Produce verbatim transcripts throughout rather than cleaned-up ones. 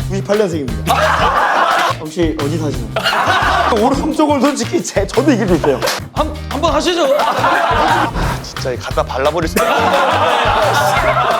구십팔 년생입니다. 혹시 어디 사시나요? 오른손 쪽은 솔직히 제, 저도 이길 수 있어요. 한, 한번 하시죠. 진짜 갖다 발라버릴 수 있어.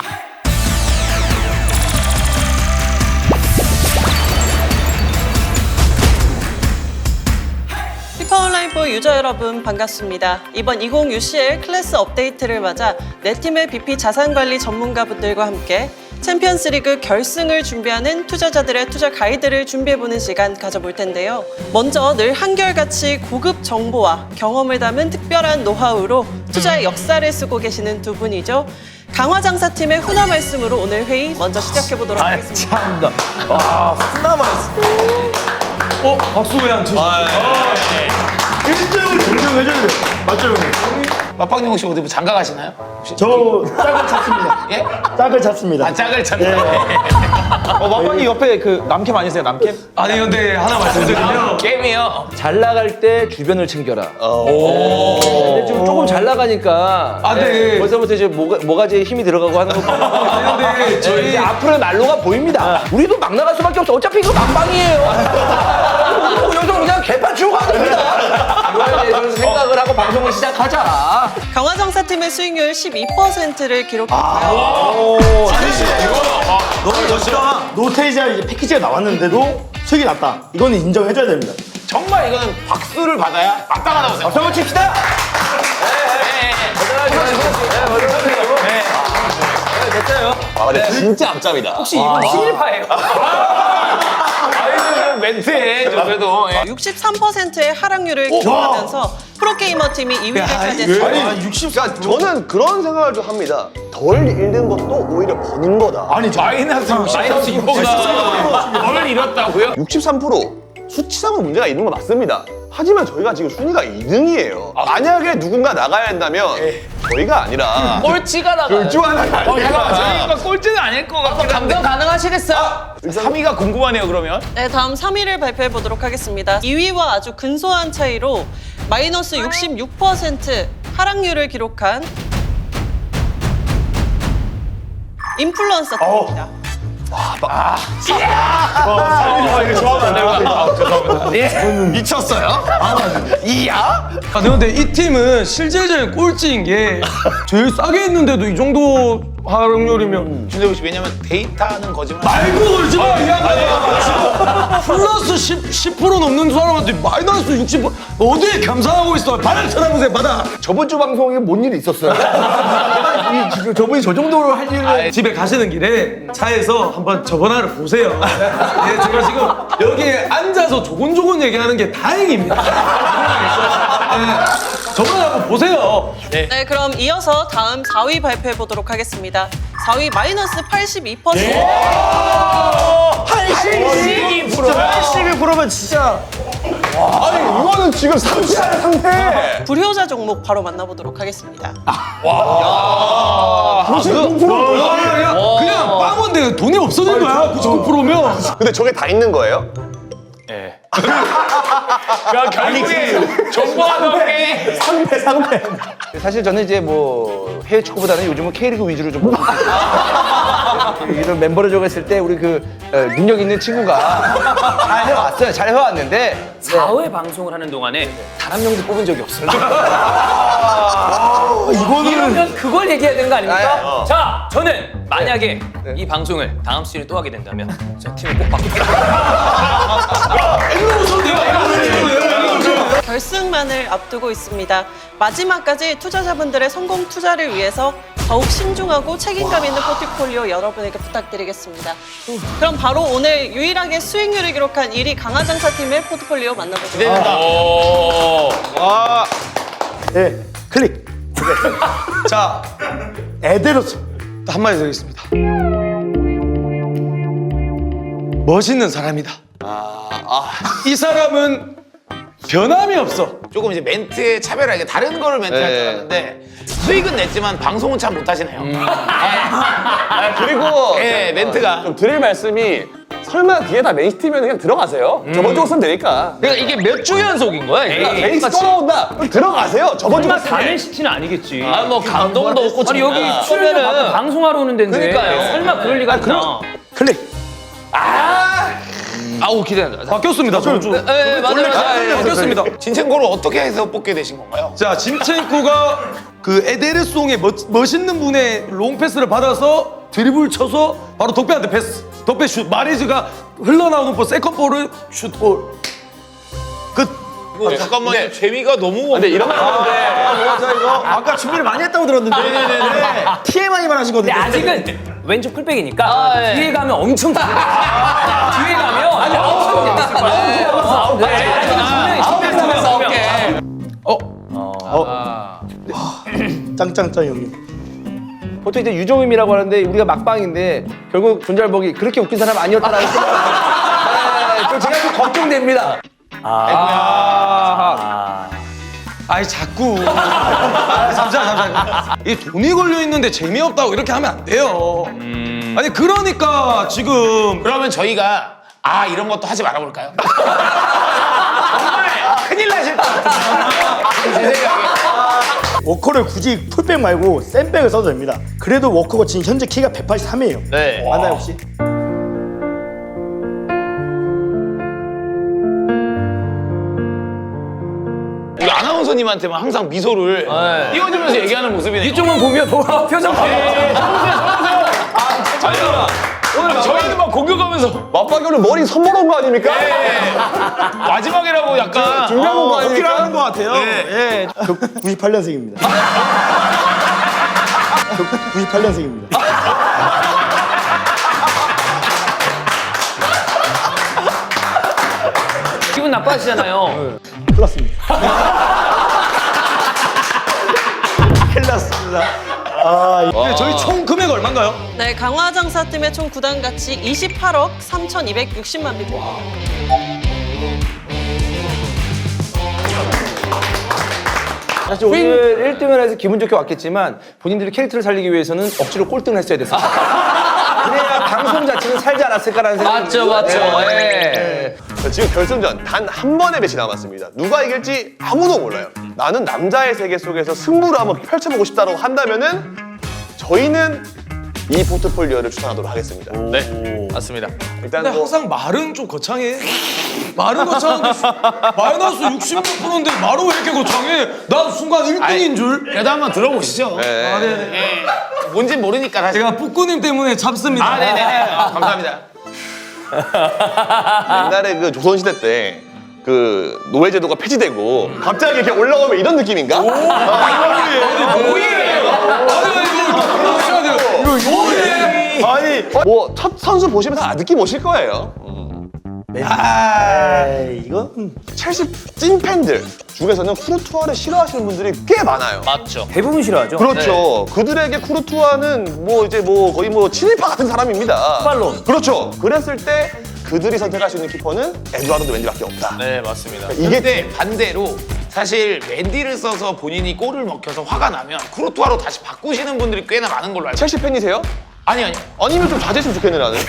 피파 온라인 포 유저 여러분 반갑습니다. 이번 이십 유씨엘 클래스 업데이트를 맞아 네 팀의 비피 자산관리 전문가분들과 함께 챔피언스리그 결승을 준비하는 투자자들의 투자 가이드를 준비해보는 시간 가져볼 텐데요. 먼저 늘 한결같이 고급 정보와 경험을 담은 특별한 노하우로 투자의 역사를 쓰고 계시는 두 분이죠. 강화장사팀의 훈화 말씀으로 오늘 회의 먼저 시작해보도록 하겠습니다. 참다. 와, 훈화 말씀. 어, 박수 왜 안 치시죠? 일 등을 증명해줘야 돼요. 맞죠, 형님? 맞박용 씨 어디 뭐 장가 가시나요? 혹시? 저 짝을 찾습니다. 예? 짝을 찾습니다. 아 짝을 찾나? 어, 마빵이 옆에 그 남캠 아니세요, 남캠? 아니, 근데 하나 말씀드리면 게임이요. 잘 나갈 때 주변을 챙겨라. 근데 지금 조금 잘 나가니까 아, 네. 네, 벌써부터 이제 모가, 모가지에 힘이 들어가고 하는 거 아니, 근데 저희 저희 이제 앞으로의 난로가 보입니다. 우리도 막 나갈 수밖에 없어. 어차피 이거 막방이에요. 여기서 그냥 개판 치고 가야 됩니다. 이거에 대해서 생각을 하고 방송을 시작하자. 강화장사팀의 수익률 십이 퍼센트를 기록했고요. 너무 멋있다. 노테이지아 이제 패키지가 나왔는데도 수익이 났다. 이거는 인정해줘야 됩니다. 정말 이거는 박수를 받아야 마땅하다고 생각해요. 박수 한번 칩시다. 아, 근데 진짜 앞잡이다. 혹시 이건 신일파예요? 아이고, 멘트에 저 그래도. 예. 육십삼 퍼센트의 하락률을 기록하면서 프로게이머 팀이 이 위를 차지했습니다. 아니 육십. 그러니까 저는 그런 생각을 좀 합니다. 덜 잃는 것도 오히려 버는 거다. 아니, 저 마이너스 마이너스 이거보다 뭘 잃었다고요? 육십삼 퍼센트 수치상으로 문제가 있는 건 맞습니다. 하지만 저희가 지금 순위가 이 등이에요. 만약에 누군가 나가야 한다면 저희가 아니라 꼴찌가 나가요. 둘 중 하나 나가야 저희가 꼴찌는 아닐 것 같긴 한데. 감정 가능하시겠어요? 삼 위가 궁금하네요, 그러면. 네, 다음 삼 위를 발표해 보도록 하겠습니다. 이 위와 아주 근소한 차이로 마이너스 육십육 퍼센트 하락률을 기록한 인플루언서 팀입니다. 미쳤어요? 이야? 아, 근데 이 팀은 실질적인 꼴찌인 게 제일 싸게 했는데도 이 정도 하락률이면 준대우 씨, 왜냐면 데이터는 거짓말. 말고 걸지 마, 이 양반아. 플러스 십, 십 퍼센트 넘는 사람한테 마이너스 육십 퍼센트 어디에 감사하고 있어? 발을 쳐다보세요, 받아. 저번 주 방송에 뭔 일이 있었어요? 이, 지금 저분이 저 정도로 할 일을 집에 가시는 길에 차에서 한번 저번화를 보세요. 예, 제가 지금 여기에 앉아서 조곤조곤 얘기하는 게 다행입니다. 예, 저번화 한번 보세요. 네, 그럼 이어서 다음 사 위 발표해 보도록 하겠습니다. 사 위 마이너스 팔십이 퍼센트. 팔십이 퍼센트. 팔십이 퍼센트면 진짜. 아니 이거는 지금 상쾌한 상태. 불효자 종목 바로 만나보도록 하겠습니다. 구십구 퍼센트. 야, 야, 그냥 빵원데 돈이 없어진 거야. 구십구 퍼센트면. 근데 저게 다 있는 거예요? 야, 결국에 정보가 넘게. 상패, 상패. 사실 저는 이제 뭐 해외 축구보다는 요즘은 K리그 위주로 좀 보고 이런 멤버를 정했을 때 우리 그 어, 능력 있는 친구가 잘 해왔어요. 잘 해왔는데 사 회 방송을 하는 동안에 단 한 명도 뽑은 적이 없어요. 이거는. 이러면 그걸 얘기해야 되는 거 아닙니까? 아, 어. 자, 저는 만약에 이 방송을 다음 시즌에 또 하게 된다면 저 팀을 꼭 바꾸겠습니다. 결승만을 앞두고 있습니다. 마지막까지 투자자분들의 성공 투자를 위해서 더욱 신중하고 책임감 있는 포트폴리오 여러분에게 부탁드리겠습니다. 그럼 바로 오늘 유일하게 수익률을 기록한 일 위 강화장사팀의 포트폴리오 만나보도록 하겠습니다. 네, 클릭. 자, 에데로스. 한마디 드리겠습니다. 멋있는 사람이다. 이 사람은 변함이 없어. 조금 이제 멘트에 차별하게 다른 거를 멘트할 줄 알았는데 수익은 냈지만 방송은 참 못하시네요. 아, 그리고 예, 멘트가 좀 드릴 말씀이 설마 뒤에 다 맨시티면 그냥 들어가세요. 저번 주 쓰면 되니까. 그러니까 이게 몇 주 연속인 거야? 이게? 맨시티 또 나온다. 그럼 들어가세요. 저번 주 설마 쓰면. 다맨시티는 아니겠지. 아, 뭐 감동도 없고 아니 여기 정말. 출연료 받고 방송하러 오는 데인데 그러니까요. 설마 그럴 리가 있나? 클릭. 아 아우 기대된다. 바뀌었습니다. 저, 저, 네, 맞아요, 맞아요. 바뀌었습니다. 진첸코를 어떻게 해서 뽑게 되신 건가요? 자, 진첸코가 그 에데르송의 멋, 멋있는 분의 롱패스를 받아서 드리블 쳐서 바로 덕배한테 패스. 덕배 슛. 마레즈가 흘러나오는 볼 세컨볼을 슛골. 끝. 어, 잠깐만요. 재미가 너무 근데 이런 거 하는데 맞아 이거 아까 준비를 많이 했다고 들었는데 티엠아이만 하시거든요. 근데 아직은 왼쪽 풀백이니까 아, 예. 뒤에 가면 엄청 뒤에 가면 아니 엄청 짱짱짱 형님. 보통 이제 유종임이라고 하는데 우리가 막방인데 결국 존잘복이 그렇게 웃긴 사람 아니었다라는 생각. 네, 좀 제가 좀 걱정됩니다. 아. 아이 자꾸. 아, 잠시만 잠시만. 이 돈이 걸려 있는데 재미없다고 이렇게 하면 안 돼요. 아니 그러니까 지금 그러면 저희가 아 이런 것도 하지 말아볼까요? 정말 큰일 나실 것 같아요. 제 생각에. 워커를 굳이 풀백 말고 센백을 써도 됩니다. 그래도 워커가 지금 현재 키가 백팔십삼이에요. 네. 맞나요 혹시? 우리 아나운서님한테만 항상 미소를 띄워주면서 얘기하는 모습이네요. 이쪽만 보면 뭐 표정 봐. 오늘 저희는 막 공격하면서 맞박이는 머리 선물한 거 아닙니까? 마지막이라고 약간 준비한 거 아닙니까? 하는 것 같아요. 예. 저 구십팔 년생입니다. 저 구십팔 년생입니다. 기분 나빠하시잖아요. 큰일 났습니다. 큰일 났습니다. 아, 이- 근데 저희 총 금액 얼마인가요? 네, 강화장사팀의 총 구단 가치 이십팔억 삼천이백육십만 비트입니다. 사실 오늘 일 등을 해서 기분 좋게 왔겠지만 본인들의 캐릭터를 살리기 위해서는 억지로 꼴등을 했어야 됐어요. 그래야 방송 자체는 살지 않았을까라는 생각이 맞죠, 맞죠. 예. 지금 결승전 단 한 번의 매치 남았습니다. 누가 이길지 아무도 몰라요. 나는 남자의 세계 속에서 승부를 한번 펼쳐보고 싶다고 한다면은 저희는 이 포트폴리오를 추천하도록 하겠습니다. 네 맞습니다. 일단 근데 뭐 항상 말은 좀 거창해. 말은 거창한데 수- 마이너스 육십 몇 프로인데 말은 왜 이렇게 거창해? 난 순간 일 등인 줄. 그래도 한번 들어보시죠. 네. 아, 네네. 예. 뭔지 모르니까 사실. 제가 뿌꾸님 때문에 잡습니다. 아 네네네. 아, 감사합니다. 옛날에 그 조선시대 때 그 노예제도가 폐지되고 갑자기 이렇게 올라오면 이런 느낌인가? 아니 뭐 첫 선수 보시면 다 느낌 오실 거예요. 아, 이건 첼시 찐 팬들 중에서는 쿠르투아를 싫어하시는 분들이 꽤 많아요. 맞죠. 대부분 싫어하죠. 그렇죠. 그들에게 쿠르투아는 뭐 이제 뭐 거의 뭐 친일파 같은 사람입니다. 쿠팔론. 그렇죠. 그랬을 때 그들이 선택할 수 있는 키퍼는 에드와르드 멘디밖에 없다. 네 맞습니다. 이게- 이게 반대로 사실 맨디를 써서 본인이 골을 먹혀서 화가 나면 쿠르투아로 다시 바꾸시는 분들이 꽤나 많은 걸로 알고 있어요. 첼시 팬이세요? 아니 아니. 아니면 좀 자제했으면 좋겠네 나는.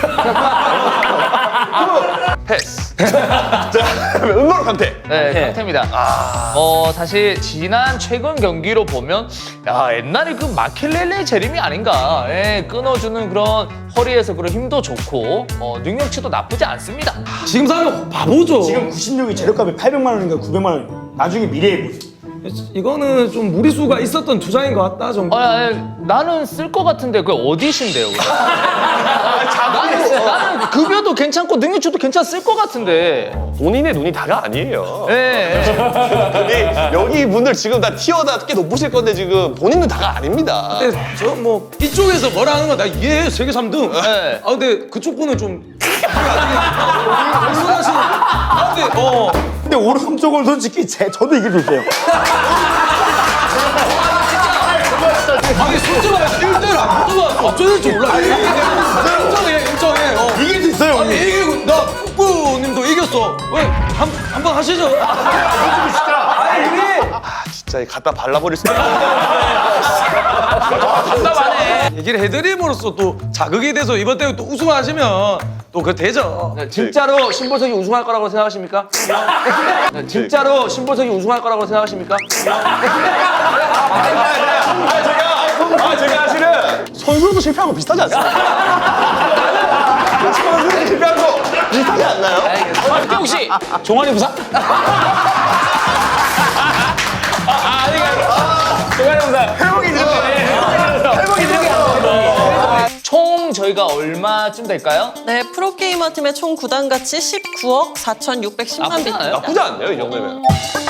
패스. 자, 음모로 강태. 네, 상태입니다. 어, 사실 지난 최근 경기로 보면 야, 옛날에 그 마켈렐레 재림이 아닌가. 예, 끊어주는 그런 허리에서 그런 힘도 좋고 어, 능력치도 나쁘지 않습니다. 지금 사면 바보죠. 지금 구십육이 재료값이 팔백만 원인가 구백만 원. 나중에 미래의 모습. 이거는 좀 무리수가 있었던 투자인 것 같다 정도. 어, 야, 야, 나는 쓸 것 같은데 그게 어디신데요? 그거? 나는, 나는 급여도 괜찮고 능력치도 괜찮았을 것 같은데. 본인의 눈이 다가 아니에요. 예. 근데 여기 분들 지금 다 티어다 꽤 높으실 건데 지금 본인 눈 다가 아닙니다. 근데 저 뭐 이쪽에서 뭐라 하는 거 나 이해해. 세계 삼 등. 네. 아 근데 그쪽 분은 좀 말씀하시는. 아 근데 어. 근데 오른쪽은 솔직히 제, 저도 이길 수 있어요. 아니 솔직히 말해서 일 대일 안 붙어봤어. 어쩔 줄 몰라. 인정해 인정해. 어. 이길 수 있어요, 아니 형님. 이기고 나 국부님도 이겼어. 왜 한 한 번 하시죠. 아니 우리 아 진짜 갖다 발라버릴 수도 있어. 답답하네. 얘기를 해드림으로써 또 자극이 돼서 이번 대회 또 우승하시면 또 그 되죠. 네, 진짜로 신보석이 우승할 거라고 생각하십니까? 네, 진짜로 신보석이 우승할 거라고 생각하십니까? 아 제가 사실은 선수도 실패한 거 비슷하지 않습니까? 선수도 실패한 거 비슷하지 않나요? 혹시 종아리 부상? 아, 아니, 종아리 부상. 회복이 늦었네. 회복이 늦었어. 총 저희가 얼마쯤 될까요? 네, 프로게이머 팀의 총 구단 가치 십구억 사천육백십만 나쁘지 비트입니다. 않아요? 나쁘지 않네요, 이 정도면.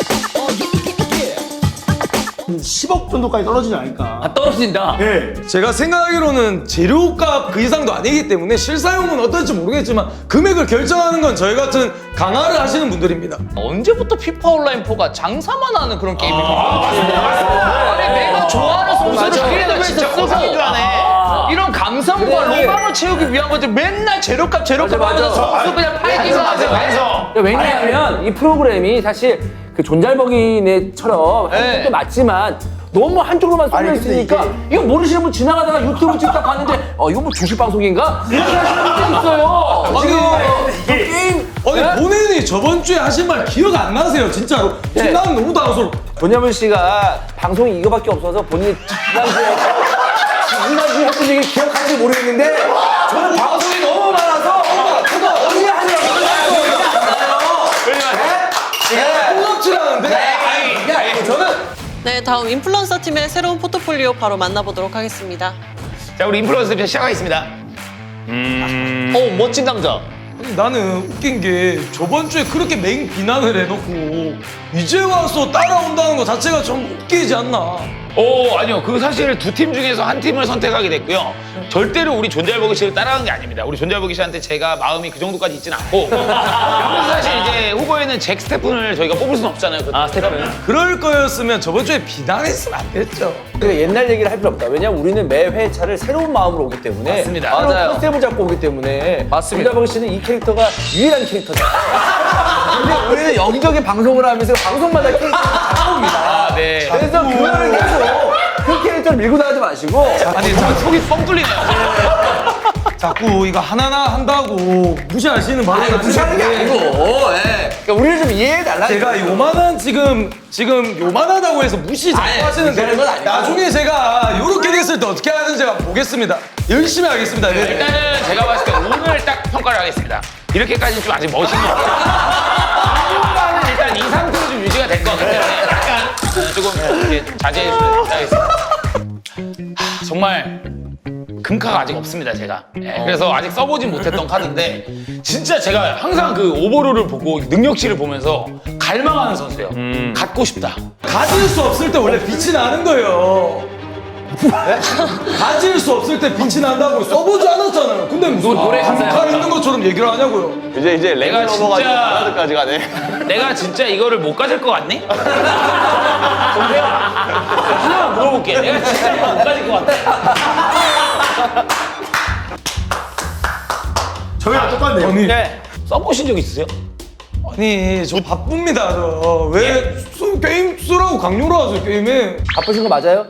십억 정도까지 떨어지지 않을까. 아, 떨어진다. 네. 제가 생각하기로는 재료값 그 이상도 아니기 때문에 실사용은 어떨지 모르겠지만 금액을 결정하는 건 저희 같은 강화를 하시는 분들입니다. 언제부터 피파 온라인 포가 장사만 하는 그런 게임입니까? 아니 내가 좋아하는 선수를 필드에서 쓰고 이런 감성과 로망을 채우기 위한 거지 맨날 재료값 재료값 하면서 선수 그냥 팔기만 하세요. 왜냐하면 이 프로그램이 사실 그 존잘버기네처럼 네. 한쪽도 맞지만 너무 한쪽으로만 쏠려 있으니까 이거 모르시는 분 지나가다가 유튜브 찍다 봤는데 어 이거 뭐 주식 방송인가? 이렇게 하시는 분들이 있어요. 아니, 게임 아니 본인이 저번 주에 하신 말 기억 안 나세요, 진짜로? 지금 나는 너무 당황스러워. 전현무 씨가 방송이 이거밖에 없어서 본인이 지난주에 지난주에 했던 얘기 기억하는지 모르겠는데 저는 방송이 너무 많아서 저도 언제 하느라고 콩깍지라는데? 이게 아니고 저는 네, 다음 인플루언서 팀의 새로운 포트폴리오 바로 만나보도록 하겠습니다. 자, 우리 인플루언서 대표 시작하겠습니다. 어 멋진 남자. 아니, 나는 웃긴 게 저번 주에 그렇게 맹 비난을 해놓고 이제 와서 따라온다는 거 자체가 좀 웃기지 않나. 오, 아니요. 그 사실 두 팀 중에서 한 팀을 선택하게 됐고요. 절대로 우리 존잘버기 씨를 따라간 게 아닙니다. 우리 존잘버기 씨한테 제가 마음이 그 정도까지 있진 않고. 그리고 사실 이제 후보에는 잭 스테픈을 저희가 뽑을 수는 없잖아요. 아 스테픈. 그럴 거였으면 저번 주에 비난했으면 안 됐죠. 그 옛날 얘기를 할 필요 없다. 왜냐면 우리는 매 회차를 새로운 마음으로 오기 때문에 맞습니다. 새로운 맞아요. 컨셉을 잡고 오기 때문에 맞습니다. 존잘버기 씨는 이 캐릭터가 유일한 캐릭터다. 근데 우리는 여기저기 방송을 하면서 방송마다 캐릭터를 잡아옵니다. 아, 네. 그래서 그거를 계속 그 캐릭터를 밀고 나가지 마시고 아니, 저 속이 뻥 뚫리네요. 자꾸 이거 하나하나 한다고 무시하시는 바람에 무시하는 게 아니고 예. 그러니까 우리를 좀 이해해달라. 제가 요만한 지금 지금 요만하다고 해서 무시 자꾸 아니, 하시는데 그런 건 아니고. 나중에 제가 요렇게 됐을 때 어떻게 하는지 제가 보겠습니다. 열심히 하겠습니다. 네. 일단은 제가 봤을 때 오늘 딱 평가를 하겠습니다. 이렇게까지는 좀 아직 멋있는 것 같아요. 평가는 일단 이 상태로 좀 유지가 될 것 같기 때문에 약간 조금 이렇게 자제해 주셔야 되겠습니다. 하, 정말 금카가 아직 없습니다, 제가. 예, 그래서 아직 써보진 못했던 카드인데 진짜 제가 항상 그 오버롤을 보고 능력치를 보면서 갈망하는 선수예요. 갖고 싶다. 가질 수 없을 때 원래 빛이 나는 거예요. 네? 가질 수 없을 때 빛이 난다고 써보지 않았잖아요. 근데 무슨 노래 가사야. 칼 있는 것처럼 얘기를 하냐고요. 이제 이제 내가 레벨 넘어가지고 진짜- 바나드까지 가네. 내가 진짜 이거를 못 가질 것 같니? 정대요. 하나 물어볼게. 내가 진짜 이거 못 가질 것 같아. 저희랑 똑같네요. 아니, 네. 써보신 적 있으세요? 아니 저 바쁩니다. 저. 왜 수- 게임 쓰라고 강요를 하세요, 게임에. 바쁘신 거 맞아요?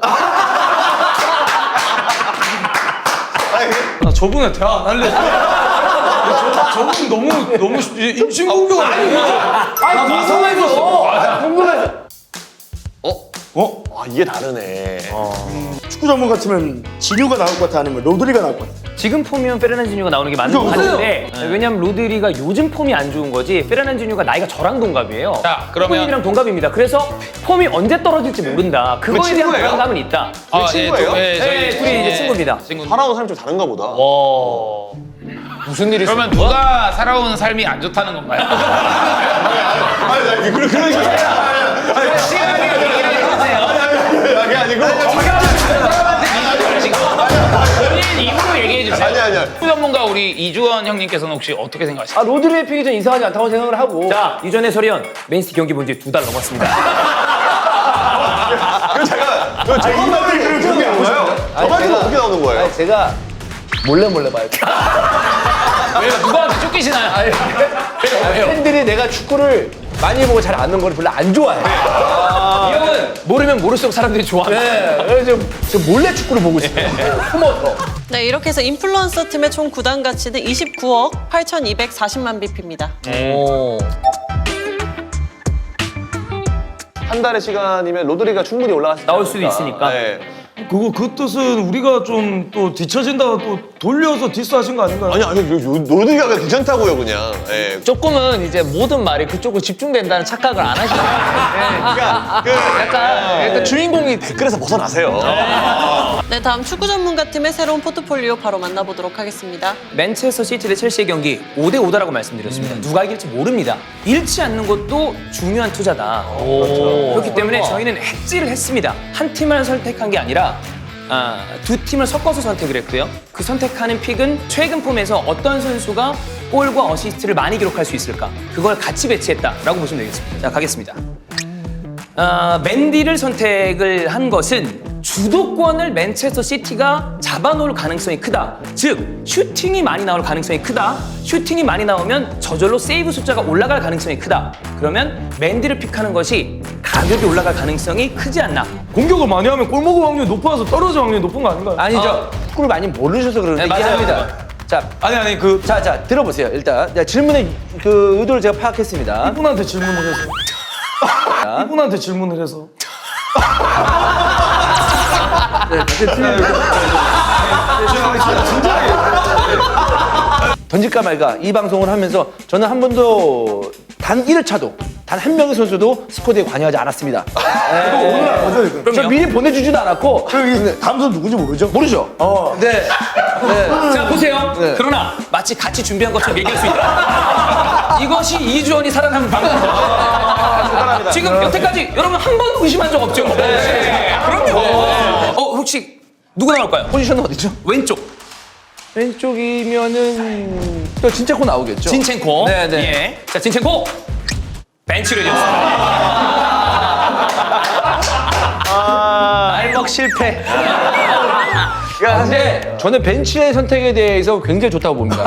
나 저분에 대화 안 할래. 저, 저분 너무 너무 인신공격을 하는 아 궁금해서. 궁금해서. 어? 아 이게 다르네. 축구 전문가 치면 진유가 나올 것 같아 아니면 로드리가 나올 것 같아. 지금 폼이면 페르난지뉴가 나오는 게 맞는 것 그죠? 같은데 왜냐면 로드리가 요즘 폼이 안 좋은 거지 페르난지뉴가 나이가 저랑 동갑이에요. 자, 그러면- 후보님이랑 동갑입니다. 그래서 폼이 언제 떨어질지 모른다. 그거에 대한 친구예요? 불안감은 있다. 아, 친구예요? 예, 저- 예, 네, 저희 둘이 이제 예, 친구입니다. 친구. 살아온 사람이 좀 다른가 보다. 와. 무슨 일이 그러면 누가 살아온 삶이 안 좋다는 건가요? 아니 나 그런 그런 거 아니 시간이 얘기해주세요. 그게 아니고. 본인 입으로 얘기해주세요. 아니 아니야. 축구 전문가 우리 이주원 형님께서는 혹시 어떻게 생각하세요? 아 로드리의 픽이 좀 이상하지 않다고 생각을 하고. 자, 이전에 설현 맨시티 경기 본 지 두 달 넘었습니다. 그 제가 그 저만들이 그런 그런 게 뭐예요? 저만들이 어떻게 나오는 거예요? 아니, 제가 몰래 몰래 봐요. 왜요? 누구한테 쫓기시나요? 왜요? 팬들이 내가 축구를 많이 보고 잘 아는 걸 별로 안 좋아해. 이 형은 모르면 모를수록 사람들이 좋아합니다. 네, 그래서 저 몰래 축구를 보고 싶어요. 숨어서. 네, 이렇게 해서 인플루언서 팀의 총 구단 가치는 이십구억 팔천이백사십만 비피입니다. 오. 한 달의 시간이면 로드리가 충분히 올라갈 수 나올 수도 있으니까. 네. 그거 그 뜻은 우리가 좀 또 뒤처진다고 또 돌려서 디스하신 거 아닌가요? 아니 아니 노드가 왜 괜찮다고요 그냥. 예. 조금은 이제 모든 말이 그쪽으로 집중된다는 착각을 안 하시는 거예요. 그러니까 그 약간, 약간 주인공이 댓글에서 벗어나세요. 네, 다음 축구 전문가팀의 새로운 포트폴리오 바로 만나보도록 하겠습니다. 맨체스터 시티 대 첼시의 경기 오 대 오다라고 말씀드렸습니다. 누가 이길지 모릅니다. 잃지 않는 것도 중요한 투자다. 그렇기 때문에 저희는 hedge를 했습니다. 한 팀을 선택한 게 아니라 아, 두 팀을 섞어서 선택을 했고요. 그 선택하는 픽은 최근 폼에서 어떤 선수가 골과 어시스트를 많이 기록할 수 있을까? 그걸 같이 배치했다라고 보시면 되겠습니다. 자, 가겠습니다. 아, 맨디를 선택을 한 것은 주도권을 맨체스터 시티가 잡아놓을 가능성이 크다. 즉, 슈팅이 많이 나올 가능성이 크다. 슈팅이 많이 나오면 저절로 세이브 숫자가 올라갈 가능성이 크다. 그러면 맨디를 픽하는 것이 가격이 올라갈 가능성이 크지 않나. 공격을 많이 하면 골 먹을 확률이 높아서 떨어질 확률이 높은 거 아닌가요? 아니죠. 축구를 많이 모르셔서 그러는데 네, 맞아요. 이해합니다. 자, 아니 아니 그 자, 자, 들어보세요. 일단 자, 질문의 그 의도를 제가 파악했습니다. 이분한테 질문을 해서 이분한테 질문을 해서 던질까 말까 이 방송을 하면서 저는 한 번도 단 일 회차도 단 한 명의 선수도 스쿼드에 관여하지 않았습니다. 오늘 안 거죠 이거? 저 미리 보내주지도 않았고 여기 다음 선수 누군지 모르죠? 모르죠. 어. 네. 네. 자, 보세요. 네. 그러나 마치 같이 준비한 것처럼 얘기할 수 있다. 이것이 이주원이 살아남은 방법입니다. 지금 여태까지 여러분 한 번도 의심한 적 없죠? 네. 그럼요. 어, 혹시 누구 나올까요? 포지션은 어디죠? 왼쪽. 왼쪽이면은 또 진짜코 나오겠죠. 진첸코. 네, 네. 예. 자, 진첸코. 벤치를 졌습니다. 알먹 실패. 근데 저는 벤치의 선택에 대해서 굉장히 좋다고 봅니다.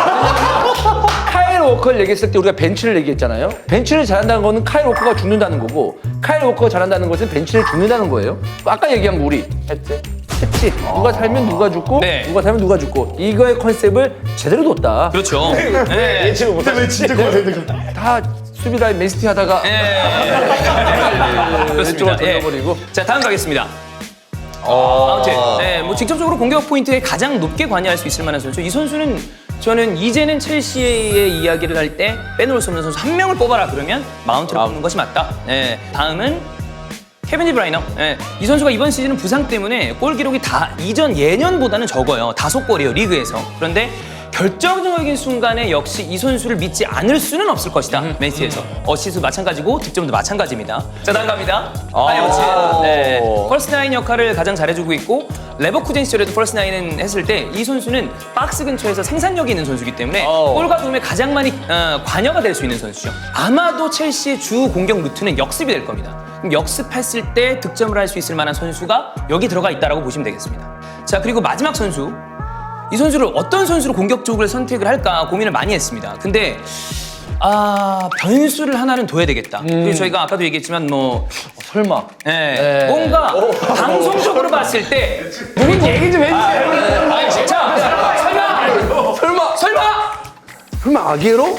카일 워커를 얘기했을 때 우리가 벤치를 얘기했잖아요. 벤치를 잘한다는 거는 카일 워커가 죽는다는 거고 카일 워커가 잘한다는 것은 벤치를 죽는다는 거예요. 아까 얘기한 거 우리 했지? 했지. 누가 살면 누가 죽고 네. 누가 살면 누가 죽고 이거의 컨셉을 제대로 뒀다. 그렇죠. 네. 예측을 못하왜 진짜 고생되고. 다 수비라인 맨시티 하다가 예. 그렇습니다. 왼쪽으로 돌려버리고. 예. 자, 다음 가겠습니다. 아무튼 네, 뭐 직접적으로 공격 포인트에 가장 높게 관여할 수 있을 만한 선수. 이 선수는 저는 이제는 첼시의 이야기를 할 때 빼놓을 수 없는 선수 한 명을 뽑아라 그러면 마운트를 뽑는 것이 맞다. 네, 다음은 케빈 디브라이너. 네, 이 선수가 이번 시즌은 부상 때문에 골 기록이 다 이전 예년보다는 적어요. 다섯 골이에요 리그에서. 그런데 결정적인 순간에 역시 이 선수를 믿지 않을 수는 없을 것이다. 맨시티에서 어시스트 마찬가지고 득점도 마찬가지입니다. 자, 다음 갑니다. 파이어치. 네, 펄스 나인 역할을 가장 잘해주고 있고 레버쿠젠 시절에도 펄스 나인은 했을 때 이 선수는 박스 근처에서 생산력이 있는 선수이기 때문에 골과 도움에 가장 많이 어, 관여가 될 수 있는 선수죠. 아마도 첼시의 주 공격 루트는 역습이 될 겁니다. 그럼 역습했을 때 득점을 할 수 있을 만한 선수가 여기 들어가 있다라고 보시면 되겠습니다. 자, 그리고 마지막 선수. 이 선수를 어떤 선수로 공격 쪽을 선택을 할까 고민을 많이 했습니다. 근데 아 변수를 하나는 둬야 되겠다. 그리고 저희가 아까도 얘기했지만 뭐 설마. 예, 뭔가 방송적으로 봤을 때 누군 얘기 좀 해주세요. 자, 설마 설마 설마 설마 아기에로?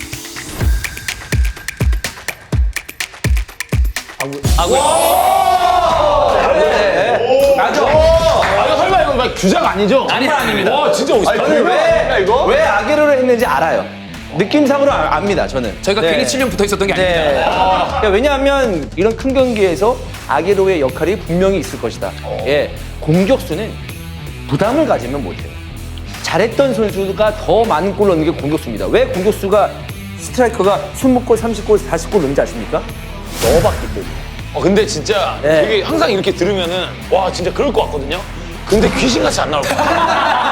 주작 아니죠? 아니 아닙니다. 와, 진짜 멋있다. 아니, 왜, 왜 아게로를 했는지 알아요. 느낌상으로 아- 압니다, 저는. 저희가 네. 괜히 칠 년 붙어 있었던 게 아닙니다. 네. 그러니까 왜냐하면 이런 큰 경기에서 아게로의 역할이 분명히 있을 것이다. 예, 공격수는 부담을 가지면 못해요. 잘했던 선수가 더 많은 골 넣는 게 공격수입니다. 왜 공격수가 스트라이커가 이십 골, 삼십 골, 사십 골 넣는지 아십니까? 넣어봤기 때문에. 어, 근데 진짜 네. 이게 항상 이렇게 들으면은 와 진짜 그럴 것 같거든요. 근데 귀신같이 안 나올 것 같아.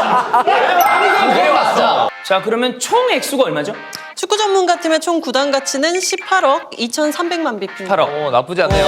자, 그러면 총 액수가 얼마죠? 축구 전문가팀의 총 구단 가치는 십팔억 이천삼백만 비피. 팔억. 어, 나쁘지 않네요.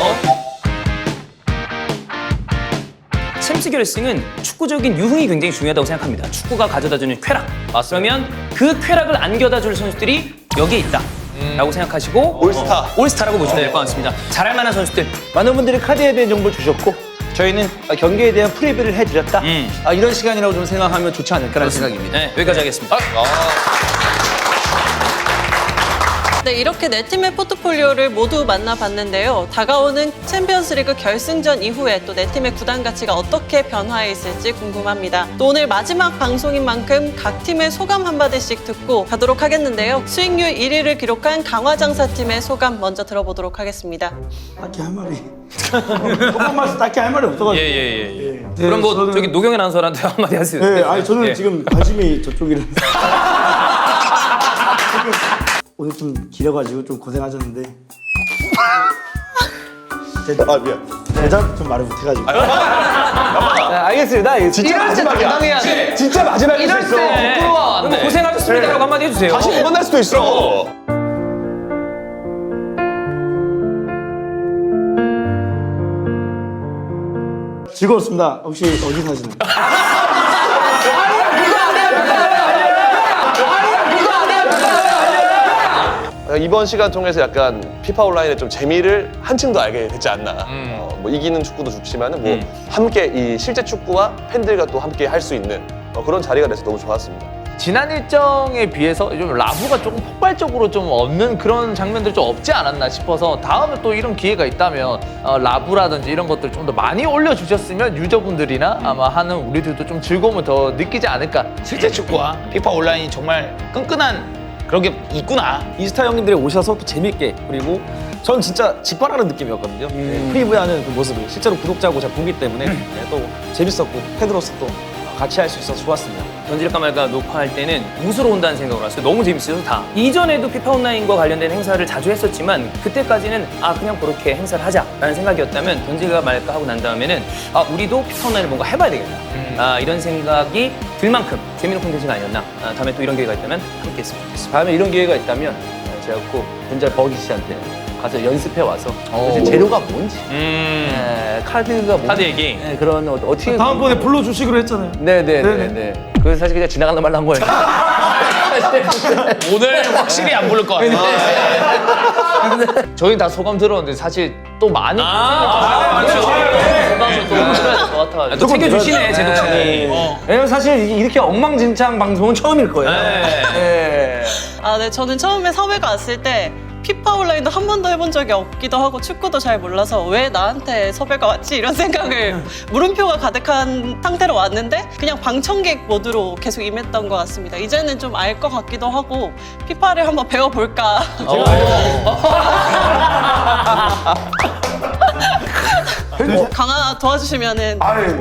챔스 결승은 축구적인 유흥이 굉장히 중요하다고 생각합니다. 축구가 가져다주는 쾌락. 그러면 그 쾌락을 안겨다줄 선수들이 여기에 있다. 라고 생각하시고 올스타. 어, 올스타라고 보시면 될 것 같습니다. 잘할 만한 선수들. 많은 분들이 카드에 대한 정보를 주셨고 저희는 경기에 대한 프리뷰를 해드렸다. 음. 아, 이런 시간이라고 좀 생각하면 좋지 않을까라는 생각입니다. 네, 여기까지 하겠습니다. 네, 네, 이렇게 네 팀의 포트폴리오를 모두 만나봤는데요. 다가오는 챔피언스리그 결승전 이후에 또 네 팀의 구단 가치가 어떻게 변화해 있을지 궁금합니다. 또 오늘 마지막 방송인 만큼 각 팀의 소감 한마디씩 듣고 가도록 하겠는데요. 수익률 일 위를 기록한 강화장사팀의 소감 먼저 들어보도록 하겠습니다. 딱히 할 말이 소감 말씀 딱히 할 말이 없어가지고. 예예예. 예, 예. 네, 그럼 뭐 저는- 저기 노경현 아나운서한테 한마디 하세요. 네, 아니 저는 예. 지금 관심이 저쪽이라서 오늘 좀 길어가지고 좀 고생하셨는데 아 미안. 대답 좀 말을 못해가지고. 네, 알겠습니다. 알겠습니다. 진짜 마지막이야. 당해야 돼. 진짜 마지막일 수 이럴 있어. 때 부끄러워. 그럼 뭐 고생하셨습니다라고 한마디 해주세요. 다시 못 만날 수도 있어. 즐거웠습니다. 혹시 어디 사시나요? 이번 시간 통해서 약간 피파 온라인의 좀 재미를 한층 더 알게 되지 않나. 어, 뭐 이기는 축구도 좋지만은 뭐 함께 이 실제 축구와 팬들과 또 함께 할 수 있는 어, 그런 자리가 돼서 너무 좋았습니다. 지난 일정에 비해서 좀 라부가 조금 폭발적으로 좀 없는 그런 장면들이 좀 없지 않았나 싶어서 다음에 또 이런 기회가 있다면 어, 라부라든지 이런 것들 좀 더 많이 올려주셨으면 유저분들이나 아마 하는 우리들도 좀 즐거움을 더 느끼지 않을까. 실제 축구와 피파 온라인이 정말 끈끈한 그런 게 있구나. 이스타 형님들이 오셔서 또 재밌게 그리고 전 진짜 직관하는 느낌이었거든요. 네, 프리뷰하는 그 모습을 실제로 구독자고 제가 보기 때문에 네, 또 재밌었고 팬으로서 또 같이 할 수 있어서 좋았습니다. 던질까 말까 녹화할 때는 웃으러 온다는 생각으로 왔어요. 너무 재밌어서 다. 이전에도 피파 온라인과 관련된 행사를 자주 했었지만 그때까지는 아 그냥 그렇게 행사를 하자라는 생각이었다면 던질까 말까 하고 난 다음에는 아 우리도 피파 온라인을 뭔가 해봐야 되겠다. 아 이런 생각이 들 만큼 재미있는 콘텐츠가 아니었나. 아, 다음에 또 이런 기회가 있다면 함께 했으면 좋겠습니다. 다음에 이런 기회가 있다면 제가 꼭 본잘 버기 씨한테 가서 연습해 와서 도대체 재료가 뭔지, 음 네, 카드가 뭔지, 카드 얘기. 네, 그런 어, 어떻게 다음번에 불러주시기로 했잖아요. 네네네. 네. 그래서 사실 그냥 지나가는 말로 한 거예요. 오늘 확실히 안 부를 것 같아. 저희 다 소감 들었는데 사실 또 많이 아, 소감을 또 들어야 될 것 같아요. 또 챙겨주시네 제 독자님. 왜냐면 사실 이렇게 엉망진창 방송은 처음일 거예요. 네. 네. 아, 네. 저는 처음에 섭외가 왔을 때 피파 온라인도 한 번도 해본 적이 없기도 하고 축구도 잘 몰라서 왜 나한테 섭외가 왔지? 이런 생각을 물음표가 가득한 상태로 왔는데 그냥 방청객 모드로 계속 임했던 것 같습니다. 이제는 좀 알 것 같기도 하고 피파를 한번 배워볼까. 강화 도와주시면은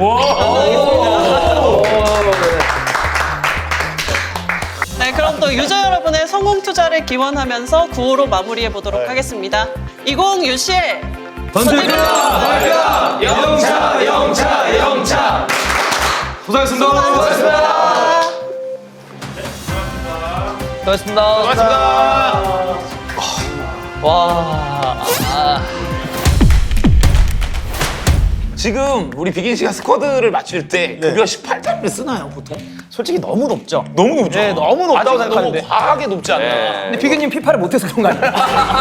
네, 그럼 또 유저 여러분의 성공 투자를 기원하면서 구호로 마무리해 보도록 하겠습니다. 이십 유씨엘 던질까 영차 영차 영차. 고생하셨습니다. 수고하셨습니다. 고맙습니다. 와. 아. 지금 우리 비긴 씨가 스쿼드를 맞출 때 급여 십팔 달러를 쓰나요 보통? 솔직히 너무 높죠. 너무 높죠. 네, 너무 높다고 아직 생각하는데. 너무 과하게 높지 않나. 근데 비교님 피파를 못해서 그런 거 아니에요?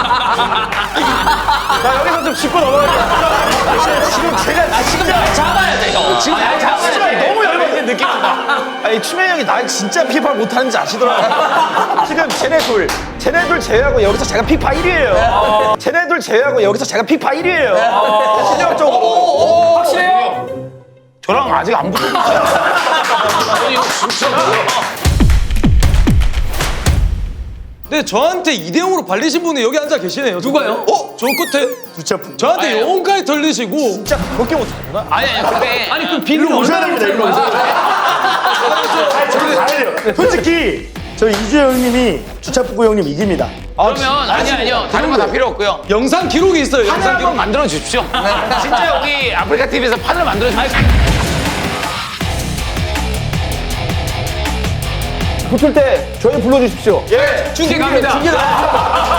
나 여기서 좀 짚고 넘어갈게요. 지금 제가 아, 지금 잡아야 돼, 형. 지금 날 잡아야 돼. 너무 열받는 느낌이 나. 아니 추면 형이 나 진짜 피파를 못하는지 아시더라고요. 지금 쟤네 둘, 쟤네 둘 제외하고 여기서 제가 피파 일 위예요. 쟤네 둘 제외하고 여기서 제가 피파 일 위예요. 실력적으로. 확실해요? 저랑 아직 안 붙었어요. 이거 진짜 뭐야. 네, 저한테 이 대 영으로 발리신 분이 여기 앉아 계시네요. 누가요? 어? 저 끝에 두차품. 저한테 아니에요. 영혼까지 털리시고 진짜 그렇게 못하구나. 아니, 아니, 근데. 아니 그 비교 오셔야 됩니다. 일로 오셔야 돼요. 저는 다 해요. 솔직히 저희 이주혜 형님이 주차프구 형님 이깁니다. 그러면, 아니, 아니요. 다른 거 다 필요 없고요. 영상 기록이 있어요. 판을 영상 한번 기록. 만들어 주십시오. 진짜 여기 아프리카 티비에서 판을 만들어 주십시오. 붙을 때 저희 불러주십시오. 중계 갑니다.